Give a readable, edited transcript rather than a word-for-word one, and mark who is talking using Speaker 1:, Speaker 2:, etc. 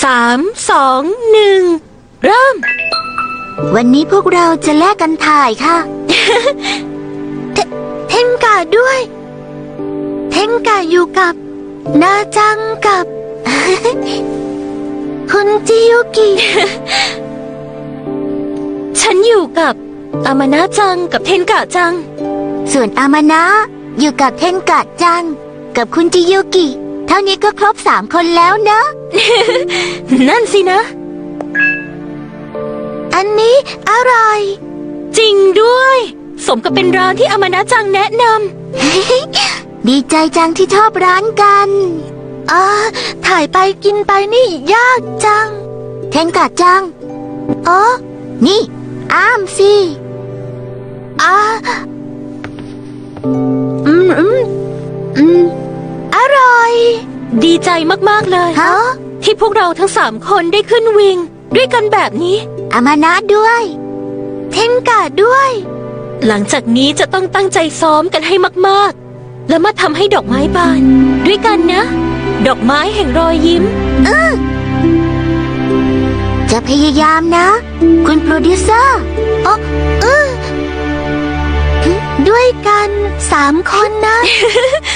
Speaker 1: 3 2 1เริ่ม
Speaker 2: วันนี้พวกเราจะแลกกันถ่ายค่ะ เทนกะด้วย เทนกะอยู่กับนาจังกับ คุณจิยุกิ
Speaker 1: ฉันอยู่กับอามานะจังกับเทนกะจัง
Speaker 2: ส่วนอามานะอยู่กับเทนกะจังกับคุณจิยุกิ เท่านี้ก็ครบ3 คนแล้วนะ
Speaker 1: นั่นสินะ
Speaker 2: อันนี้อร่อย
Speaker 1: จริงด้วย สมกับเป็นร้านที่อามานะจังแนะน
Speaker 2: ดีใจจังที่ชอบร้านกันถ่ายไปกินไปนี่ยากจัง เทนกะจังนี่อ้ามสิอร่อย
Speaker 1: ำดีใจมากๆเลย
Speaker 2: ฮะ
Speaker 1: ที่พวกเราทั้ง3 คนได้ขึ้นวิงด้วยกันแบบนี้
Speaker 2: อามานะด้วย เทนกะด้วย
Speaker 1: หลังจากนี้จะต้องตั้งใจซ้อมกันให้มากๆ แล้วมาทำให้ดอกไม้บาน ด้วยกันนะ ดอกไม้แห่งรอยยิ้ม
Speaker 2: จะพยายามนะ คุณโปรดิวเซอร์ด้วยกัน3 คนนะ